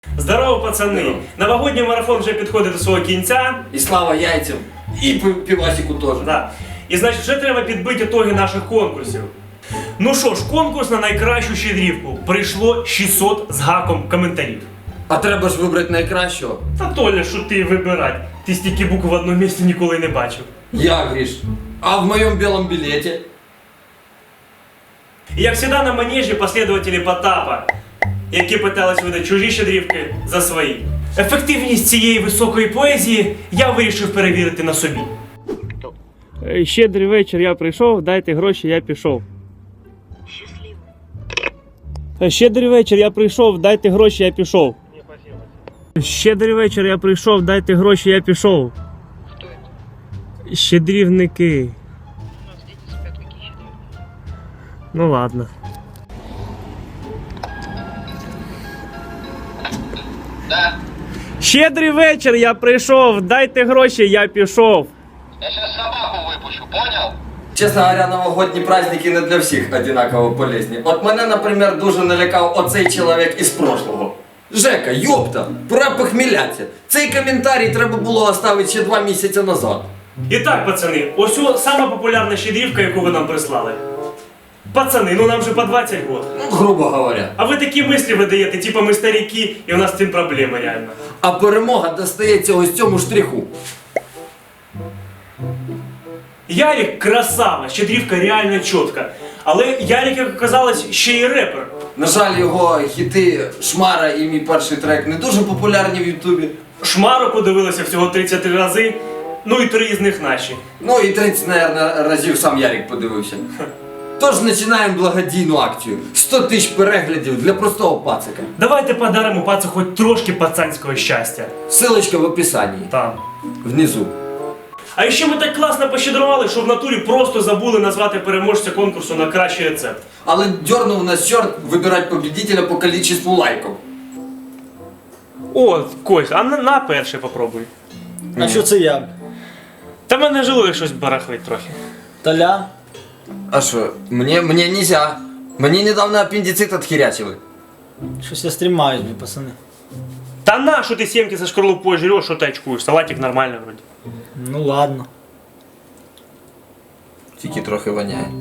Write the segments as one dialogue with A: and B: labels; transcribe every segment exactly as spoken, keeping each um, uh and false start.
A: Здорово, пацани! Новогодній марафон вже підходить до свого кінця.
B: І слава яйцям, і півасику теж.
A: Да. І значить, вже треба підбити ітоги наших конкурсів. Ну що ж, конкурс на найкращу щедрівку. Прийшло шістсот з гаком коментарів.
B: А треба ж вибрати найкращого.
A: Та Толя, що ти вибирать? Ти стільки букв в одному місці ніколи не бачив.
B: Я, Гриш. А в моєму білому білеті?
A: І як завжди на манежі послідователі Потапа, які питались видати чужі щедрівки за свої. Ефективність цієї високої поезії я вирішив перевірити на собі. Щедрий вечір, я прийшов, дайте гроші, я пішов.
C: Счастливо.
A: Щедрий вечір, я прийшов, дайте гроші, я пішов. Щедрий вечір, я прийшов, дайте гроші, я пішов.
C: Кто это?
A: Щедрівники.
C: У нас дети спят, какие щедрые.
A: Ну ладно.
D: Да,
A: Щедрий вечір, я прийшов, дайте гроші, я пішов.
D: я сейчас собаку выпущу, понял?
B: Чесно говоря, новогодні праздники не для всіх одинаково полезні. От мене, наприклад, дуже налякав оцей чоловік із прошлого. Жека, йопта, пора похмілятися. Цей коментарій треба було оставити ще два місяці назад.
A: І так, пацани, ось о сама популярна щедрівка, яку ви нам прислали. Пацани, ну нам же по двадцять років.
B: Ну, грубо говоря.
A: А ви такі мислі видаєте, типа ми старіки, і у нас з цим проблеми реально.
B: А перемога достається ось цьому штриху.
A: Ярик красава, щедрівка реально чітка. Але Ярик, як оказалось, ще й репер.
B: На жаль, його хіти Шмара і мій перший трек не дуже популярні в Ютубі.
A: Шмару подивилися всього тридцять три рази, ну і три з них наші.
B: Ну і тридцять, мабуть, разів сам Ярик подивився. Тож починаємо благодійну акцію. сто тисяч переглядів для простого пацика.
A: Давайте подаримо пацу хоч трошки пацанського щастя.
B: Ссылочка в описанні.
A: Там.
B: Внизу.
A: А ще ми так класно пощедрували, що в натурі просто забули назвати переможця конкурсу на кращий рецепт.
B: Але дернув нас чорт вибирати победителя по кількості лайків.
A: О, Кость, а на, на перший попробуй.
E: А що це я?
A: Та мене желудок щось барахлить трохи.
E: Толя?
B: А що, мені, мені нельзя. Мені недавно апендицит отхерячили.
E: Щось я стрімаюсь, блін, пацани.
A: Та на, що ти сімки со шкарлупою жреш, що ти очкуєш? Салатик нормально вроді.
E: Ну ладно.
B: Тільки трохи воняє.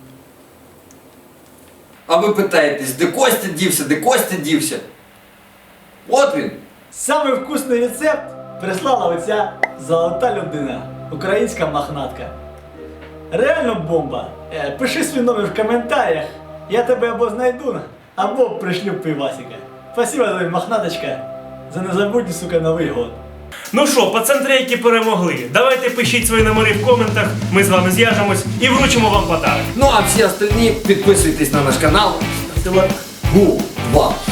B: А ви питаєтесь, де Костя дівся, де Костя дівся? От він.
E: Самий вкусний рецепт прислала оця золота людина, українська махнатка. Реально бомба. Е, Пиши свій номер в коментарях, я тебе або знайду, або пришлю пивасика. Спасибо тобі, махнаточка, за незабутній, сука, Новий год.
A: Ну що, пацантрейки перемогли. Давайте пишіть свої номери в коментах, ми з вами зв'яжемось і вручимо вам подарок.
B: Ну а всі остальні підписуйтесь на наш канал.
E: Ставте лайк.
B: Гу два.